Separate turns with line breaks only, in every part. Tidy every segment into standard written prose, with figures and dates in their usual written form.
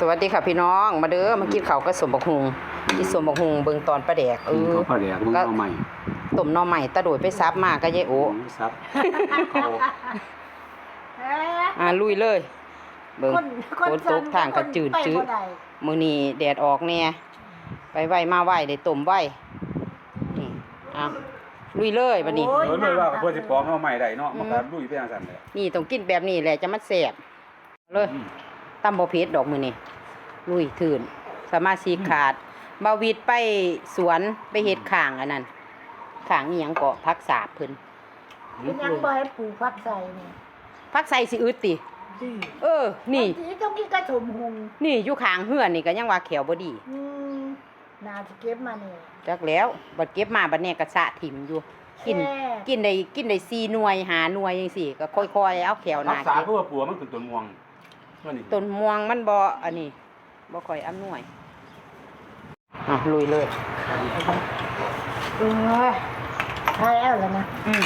สวัสดีค่ะพี่น้องมาเด้อมากินข้าวกับสมบักหุงกินสมบักหุงเบิ่งตอนปลาแดก
เขาปลาแดกมึงเอาใหม่
ต้มหน่อใหม่ตะโดยไปซับมาก็ยายโอ
ซับ
ลุยเลยเบิ่งฝนตกทางก็จืดจื้อมื้อนี้แดดออกแน่ไปไว้มาไว้ได้ต้มไว้นี่ลุยเลยบัดนี้
เลยว่าเพื่อสิปอกเอาใหม่ได้เนาะมันก็ลุยไปจังซั่นแหละ
นี่ต้องกินแบบนี้แหละจะมันแซ่บเลยตำบ่เผ็ดดอกมื้อนี้ลุยถื่นสมาชิกขาดบาวิดไปสวนไปเฮ็ดข้างอันนั้นข้างอีหยังเกาะผักสาบเพิ่น
เป็นยังบ่ให้ปลูกผักใส่นี่
ผักใส่สิอึดตินี่
ต้องกินกระถมหุง
นี่อยู่ข้างเฮือนนี่ก็ยังว่าแขวบ่ดี
น่าสิเก็บมานี่
จักแล้วบัดเก็บมาบัดนี้ก็สะถิ่มอยู่กินได้4หน่วย5หน่วยจังซี่ก็ค่อยๆเอาแขวหน้า
รักษาเพื่อปัวมันคือต้นม่วง
ต้นม่วงมันบ่อันนี้บ่ค่อยอำนวยลุยเลย
ถ่ายเอาแล้วนะ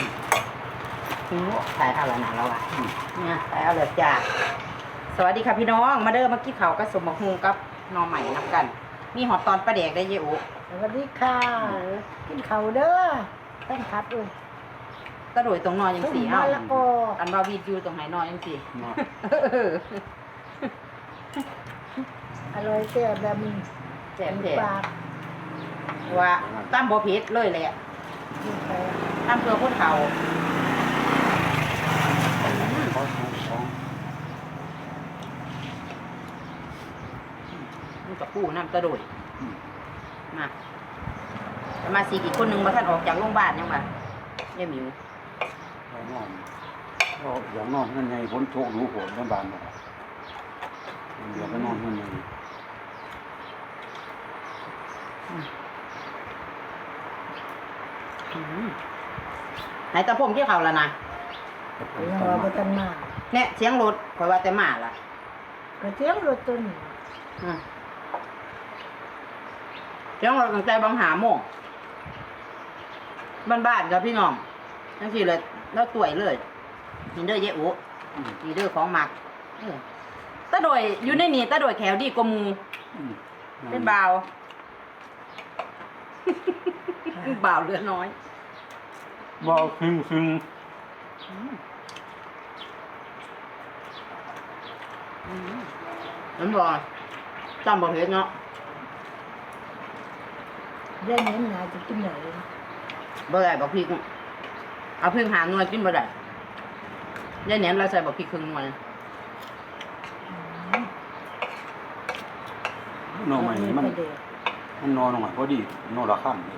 ถ่ายเอาแล้วนะเราเนี่ยถ่ายเอาแล้วจ้าสวัสดีค่ะพี่น้องมาเด้อมากินข้าวกับสมบักหุงกับหน่อใหม่นำกันมีหอดตอนปลาแดกได้เยอะ
สวัสดีค่ะกินข้าวเด้อแป้งคัด
กระโดดตรงนอนยังสี่
แล้วก็
อันบาวีดอยู่ตรงไหนนอนยังสี่
อร่อยแซ่บแบบ
แซ่บแท้ว่าตั้มบ่เผ็ดเลยแหละตั้มเพื่อคนเขามันกับปูน้ำกระโดดมาสีอีกคนนึงมาท่านออกจากโรงพยาบาลยังไงเนี่ยมิว
อย่างนอนนั่นไงฝนโชกหนูฝนน้ำบานบ่เดี๋ยวก็นอนนั่นไง
ไหนตะพงที่เขาแล้วนะ
เราไปกันมา
เนี่ยเสียงรถคอยว่าแต่มาล่ะ
ก็เสียงรถตัวนี้
เสียงรถตั้งแต่บางหาโมงบ้านๆกับพี่น้องทั้งที่เลยแล้วต่วยเลยมีเด้อเยอะอุมีเด้อของหมักตะโดยอยู่ในนี่ตะโดยแขวดีกว่ามูเป็นบ่าวบ่าวเรือน้อย
บ่าวซึ้ง
นั่นบ่จำบ่เห็นเนาะ
ได้เน้นหนาจะกินไหน
บ่ได้บอกพี่เอาเพิ่งหาหน่วยกินบ่ได้ยายแหนมเราใส่บอกพี่ครึ่งหน่วย
นอนใหม่มันนอนลงมาพอดีนอนละค่ำ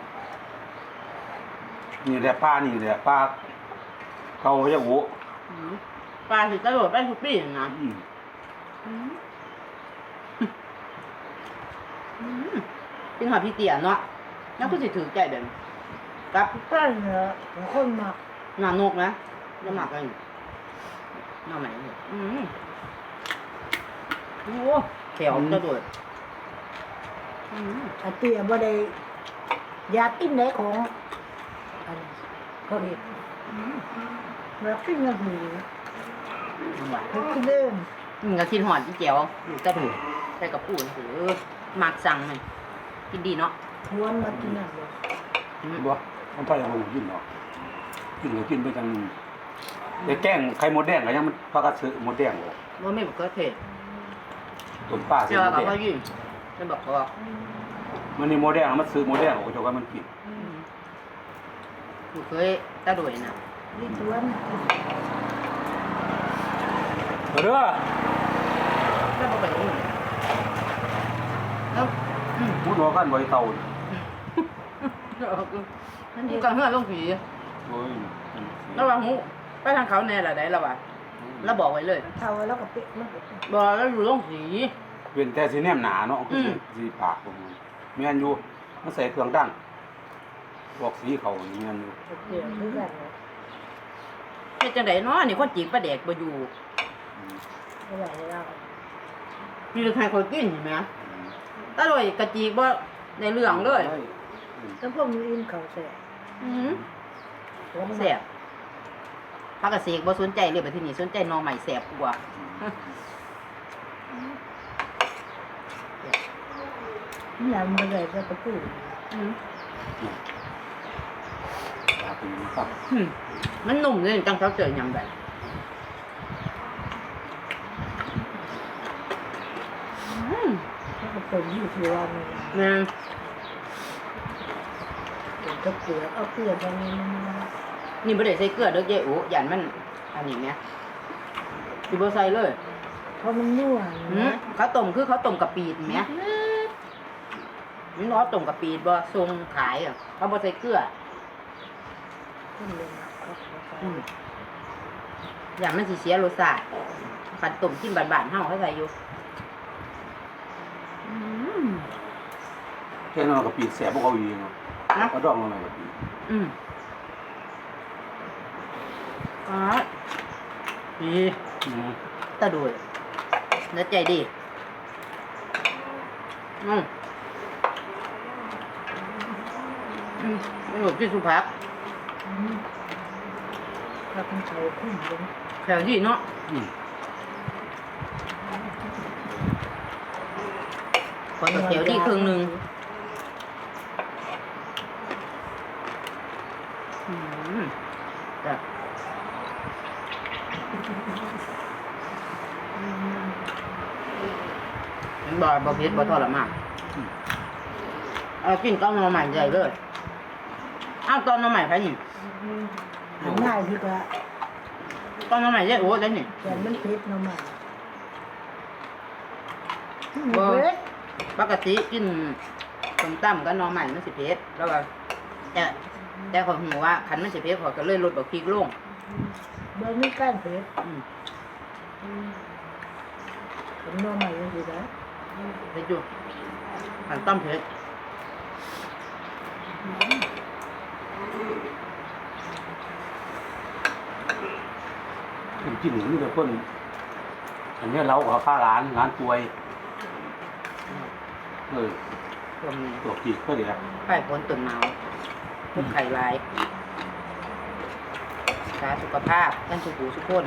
นี่แหละป้านี่แหละป้าเขาจะโว้
ปลาสิกระโดดไปทุกปีนะเป็นหอพี่เตี๋ยเนาะแล้วก็สิถือใจแบบกับ
ใช่เหรอคนมาก
หน้านกนะจะหมักอะไรหน้าไหนโอ้แขวกระโดด
อาเตี๋ยบ่ได้อยากกินไหนของเขาเห็นแบบกินเงินหูเขากินเอง
ก็กินหอดที่เจียวกระดูกใส่กับปูนหรือหมักสั่งมันกินดีเนาะ
ทวนมากินอะไร
บ่มันพยายามกินเนาะกินไปจังแต่แกงไข่มดแดงก็ยังมันพากันซื้อมดแดงบ่
ว่าไม่บอกก็เทศ
ต้นป้า
เจ้าก็ยืนจะบอกว่า
มันนี่มดแดงมันซื้อมดแดงก็เจ้าก็มันกิน
ถูกเคยตะโดยนะ
นี่ทวน
เด้อ
แล้วบอกไปแล้ว
พูดว่ากันไว้เตา
นี่กังเฮือลงผีแล้วว่าหูไปทางเขาแน่ละได้แล้วว่ะแล้วบอกไว้เลย
เท่าแล้วก็ปิดมัน
บอกแล้วอยู่ลงผี
เป็นแต่สีแนมหนาเนาะสีปากผมเมียนอยู่มันใส่เครื่องดังบอกสีเขาเมียนอยู่
เฮ็ดจังได๋เนาะนี่คนจีบปลาแดกบ่อยู่มีใครคนกินเห็นไหมตะโดยกะจีบ่ในเรื่องเลย
แล้วพวกนี้อินเขาแซ่
แซ่บพักกะเสกบ่สนใจเลยไปที่นี่สนใจนอใหม่แซ่บกว่า
นี่ยมันเลยจะพูด
อืม
อยากเป็นครับ
มันนุ่มเลยจังเขาเจอยำแบบ
แล้วก็เป็นยี่สิบวัน
แม่
เป็นกระเกลือเอาเกลือตรงนี้มัน
นี่บ่ได้ใส่เกลือเด้อเจ๊อูหยันมันอันนี้แม่สิบ่ใส่เลย
เพราะมันนัว
เขาต้มคือเขาต้มกะปิดแม่มันเขาต้มกะปิดบ่ทรงขายอ่ะเขาบ่ใส่เกลือ
ขึ้นเลยนะ
อย่างมันสิเสียรสชาติขันต้มกินบานๆเฮาเขาใส่อยู่
แค่นั้นกับปีแสบพวกเขาอีกเนาะ
นะ
ก็ดองลงไปกับปี
อ๋อดีตาดูดแล้วใจดีไม่หลบที่สุภาพ
ถ้าเป็นไข่ขึ้นเลย
แถวที่เนาะขอแถวที่ครึ่งหนึ่งจ้ะบ่เผ็ดบ่ทรมานกินก้อนหน่อใหม่ใหญ่เลยอ้าวก้อนหน่อใหม่ใครนี่
ง่ายดีกว่า
ก้อนหน่อใหม่ใหญ่โอ้ได้นี่
แต่มันเผ็ดน้ำมัน
บ่
เผ็ด
ปกติกินส้มตำกับหน่อใหม่มันสิเผ็ดแล้วก็แต่ขอยหูว่าคันมันสิเผ็ดขอยก็เลยลดบักพริกลง
เบอร์นี่ก้านเผ็ดผมน้ำมันยังดีนะ
เผ็ดอยู่คันต้มเผ็ด
กินนี่แต่คนอันนี้เราขอค่าร้านป่วย
รวม
ตัวจีก็เดี๋ยว
ไข่ผลตุ่นหนาวทุกไข่ลายสาสุขภาพท่านสุขหูสุขคน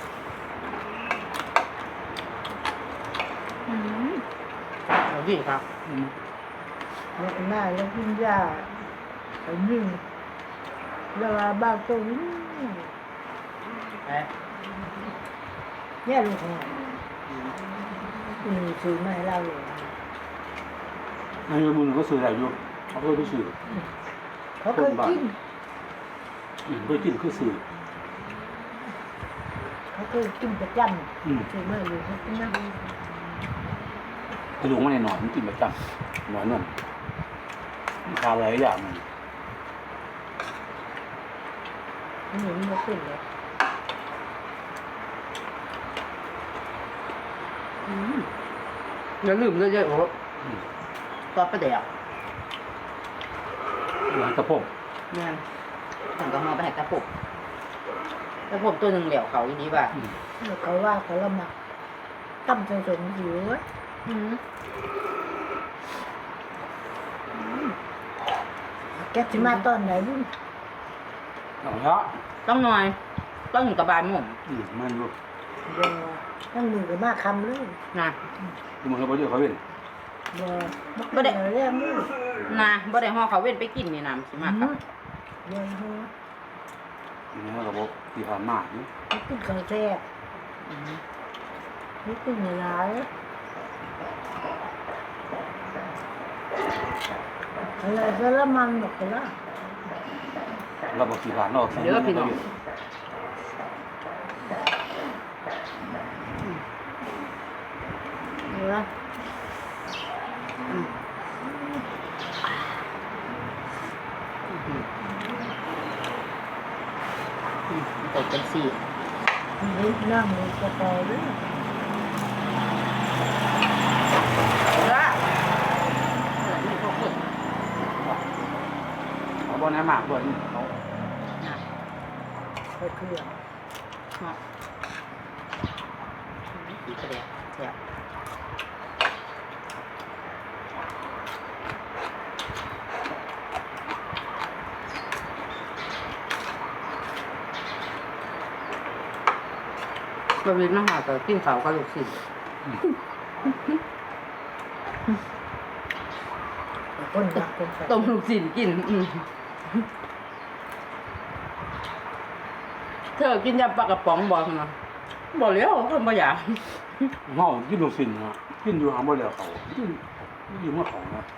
เอาดีครับ
แล้วหน้าแล้วกินยาอันนี้แล้วบ้านตรงนี้
ไป
เนี่ยลูกเนี่ยซื้อมาให้เราเลย
อันนี้บุญก็ซื้ออะไรอยู่เขาเคยไปซื้อ
เขาเคยกิน
เคยกินคือซื้อ
เขาเคยกินประจำซื้อมาอยู่เขากินนะ
กระดูกมันหน่อยมันกินประจำหน่อยนั่นทานอะไรอย่างมัน
นี่มันไม่ขึ้นเลย
อย่าลืมเลยเยอะโอ้ตอดประเดี๋ยว
หลังตะพง
แม่นถึงก็มาไปให้ตะปุกตะปุกตัวหนึ่งเหลี่ยวเขาอีดีป่ะ
เขาว่าเขาละมักตั้มใจสมหิวแกจะมาตอนไหนบุ้ง
หน่อยละ
ต้องหน่อยต้องอยู่กับบานหมุม
มันดู
เดี๋ยวตั้งมือกับมาคำเลย
นะ
มันก็บ่ได้เขาเป็น
เดี๋ยวไม่ได้เรื่องมือ
นะบ่ได้ห่อเขาเว้นไปกินนี่นะสิมากครับ
เดี๋ยวหัว
นี่ก็บอกที่ผ่านมานี่
นี่ขึ้นข้าวแซ่บนี่ขึ้นในร้านอะไรก็ละมันหมดละ
เราบอกที่ผ่านนอก
เดี๋ยวพี่น้องเดี๋ยวตกเป็นสี่
นี่นั่งในกระเป๋าด้วย
ละนี่พวกคน
เขาบอกน้ำหมากด้วยเขา
นะ
ไปเครื่อง
เนาะสีกระเดียแซ่บบะหมี่มาหาแต่กินข้าวกับลูกศิษย์
คนละคนไป
ต้มลูกชิ้นกินเธอกินยำปลากระป๋องบ่นะบ่แล้วคนบ่อยาก
เฮากินลูกชิ้นนะกินอยู่หาบ่แล้วเขากินอยู่มาของนะ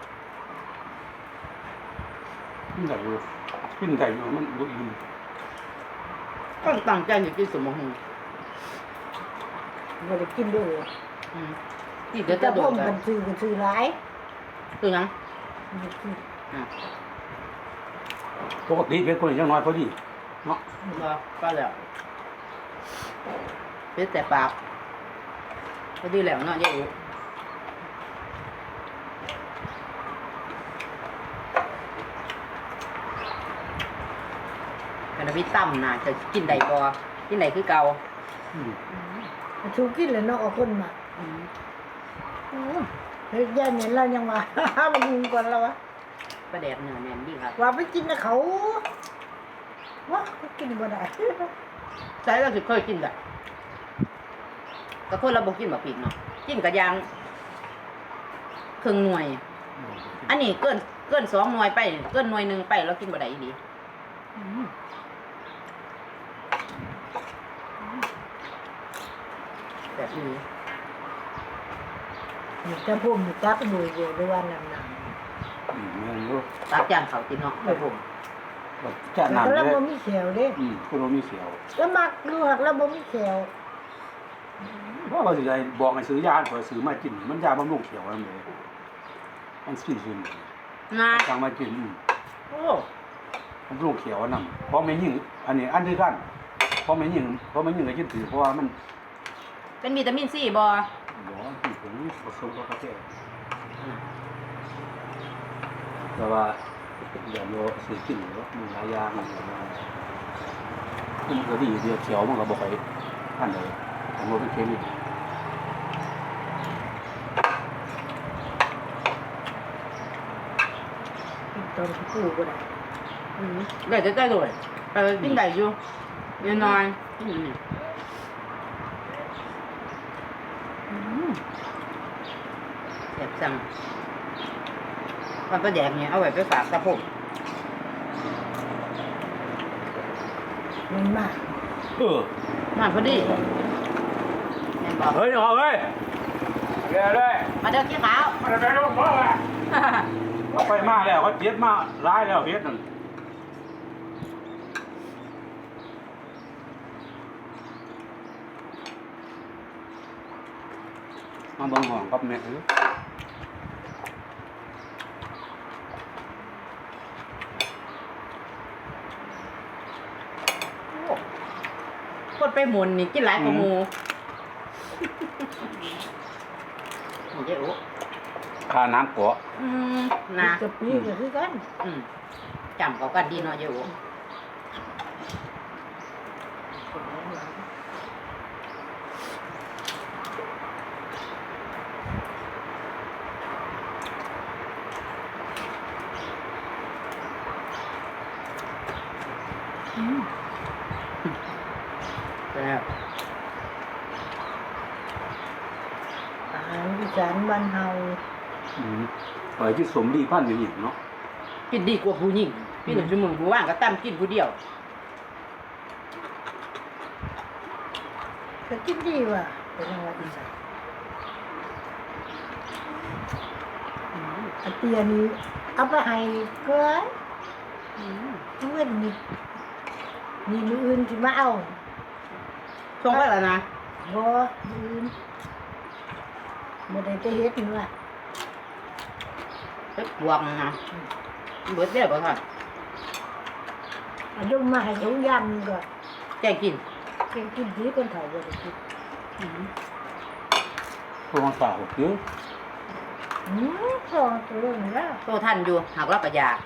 กินได้อยู่มันบ่อิ่ม
ต้องตั้งใจจะกินสมอง
บ่ได้กินด้วย
นี่เดี๋ยว
แต่
จะโด
พ่
น
ม
กั
กัน นซื้อหลาย
ตัวยัง
บ่กิน
ปกติเป็นคนอย่างน้อยพอดีเนาะ
ก็แล้วเป็นแต่ปากก็ดีแล้วเนาะยายอูกันพี่ตั้มน่ะจะกินได้บ่กินได้คือเก่า
อืม
ชูกินแล้วเนาะเอาคนมาเฮ้ยย่าเนี่ยเรายังว่า มันยิงก่อนแล้ววะ
ประแดกเนื้อแน่นดีครับ
ว่าไปกินนะเขาวะกินบ่ได้
ใช่เราสิเคยกินได้ก็คนเราบ่กินบ่ผิดเนาะกินกะยางครึ่งหน่วย อันนี้เกิน2 หน่วยไปเกินหน่วยหนึงไปเรากินบ่ได้อีหลีแบบนี้
นี่ถ้าพ่มอยู่ตักหน่วยอยู่ด้วยว่านั่น
แม่นอยู่
ตักจานเขากินเนาะไปผม
จาน
ๆ
น้ำ
แล้ว
เลย
บ่มีแขวเด้
คุณบ่มีเสียว
แล้วมักดูหักแล้วบ่มีแขว
ว่าว่าสิได้บอกให้ซื้อยาข่อยซื้อมากินมันยาบำรุงเขียวนั่นเลยมันสิซึม
นะ
สั่งมากิน
โอ้
บำรุงเขียวนั่นเพราะแม่ยิ่งอันนี้อันเดียวกันเพราะแม่ยิ่งก็กินถือเพราะว่ามัน
เป็นวิตามินซีบ่
บ่ที่ผมผสมกับกาแฟแต่ว่าอย่าโลซื้อกินหรอกมีหลายอย่างมันก็ดีเดียวเขียวมันก็บ่ค่อยอันใดมันบ่เป็นเคมี
ตอนที่กู้บ่ได้
ได้จะได้ด้วยกินได้อยู่เยอะน้อยกินอยู่นี่แซ่บจังความประแดกเนี่ยเอาไว้ไปฝากตะพง
มันมาก
มาพอดีแม่นบอก
เฮ้ยเอาเฮ้ยเดี๋ยวเลย
มาเด้อขี้ขาว
มันจะไปลงพ่ออ่ะเขาไปมาแล้วเขาเจ็บมาร้ายแล้วเฮ็ดนั่นมาเบิ่งห้องกับแม่
คนไปหมุนนี่กินหลายกว่าหมูนี่เจ๊อุ๊
ค่าน้ำเกาะ
นะ
จะปีก็คือกัน
จำเขากันดีเนาะเจ๊อุ๊แล้ว
อาหารอีสานบ้านเฮา
ไปที่สมดีพันอยู่อีกเนาะ
กินดีกว่าผู้หญิงพี่หนุ่มชั่วโมงผู้ว่างก็ตั้มกินผู้เดียว
ก็กินดีว่ะเป็นจังหวัดอีสานอันเตียนี้เอาไปให้เกินทุกวันนี้มีมืออื่นที่มาเอา
ช่วงไปแล้วนะ
บ่มืออื่นบ่ได้ไปเฮ็ดนี่ว่ะ
ไปกวงนะเบิดเดียวก็ค่ะ
เอายมมาให้ทุกยามก็
แกงกิน
เก่งกินดีคนเฒ่าบ่ได้กิน
พวกมันฝากเยอะ
สองตัวนี่ล่ะ
โตท่านอยู่หากเราก็อยาก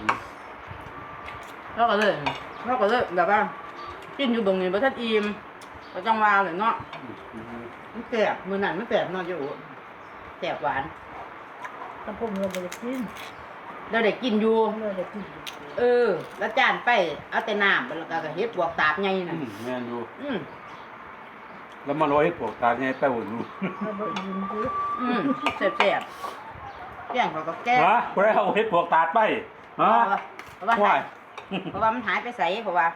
เราก็เลยแบบว่ากินอยู่ตรงนี้บ่ทันอิ่มก็จังว่าเลยเนาะมันแสบมื้อนั้นมันแสบเนาะอยู่แสบหวาน
ถ้าผมเราบ่ได้กิน
เราได้กินอยู่
เราได้กิน
แล้วจานไปเอาแต่น้ำแล้วก็เฮ็ดบวกตาบใหญ่น่ะ
แม่นอยู่
อืม
แล้วมาร้อยพวกตาเนี่ยไปหุ่น
เราบ่อิ่มกู
แซ่บแกงเขาก็แก้
ฮะบ่ได้เอาเฮ็ดพวกตาดไปฮะ
เพราะว่า
ว้าย
เพราะว่ามันหายไปใส่เพราะว่า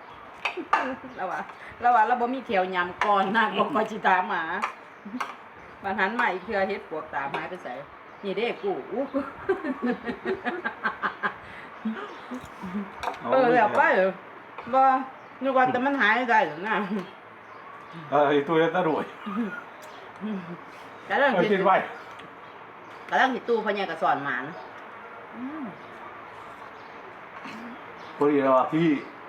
เราบ่มีเขียวยำก่อนนะบ่คอยสิตามหมาบัดหันมาอีกเทื่อเฮ็ดปวกตามหายไปใส่นี่เด้กูอู้แล้วไปบ่นึกว่าแต่มันหายได้หรือนะ
ไอ้ตัวตะรวย
กำลัง
เอา
สิ
กินไว้
กำลังสิตู้พญากระสอนหมาน
พอดีแล้วพี่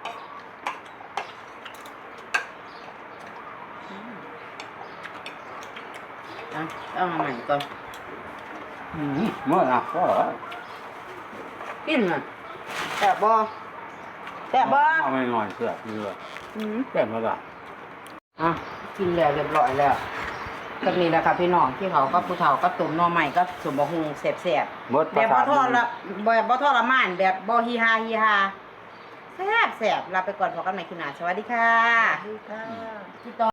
เอามาใหม่ก่อน
เมื่อนะก็
กินน่ะแซ่บบ่แซ่บบ่
เอาไม่หน่อยเสือเรือแก่มาละ
อ่ะกินแล้วเรียบร้อยแล้วก็นี่แหละค่ะพี่น้องที่เขาก็ผู้เฒ่าก็ตุ่มหน่อใหม่ก็สมบูรณ์แซ่บ
เบิด
ๆ
ป
แบ
ระ
บบ่
สาท
ทอดละแบบบ่ทรมานแบบบ่ฮีฮาฮีฮาแซ่บลาไปก่อนพบกันใหม่คลิปหน้าสวัสดีค่ะ
ดีค่ะ
พี่ต่อ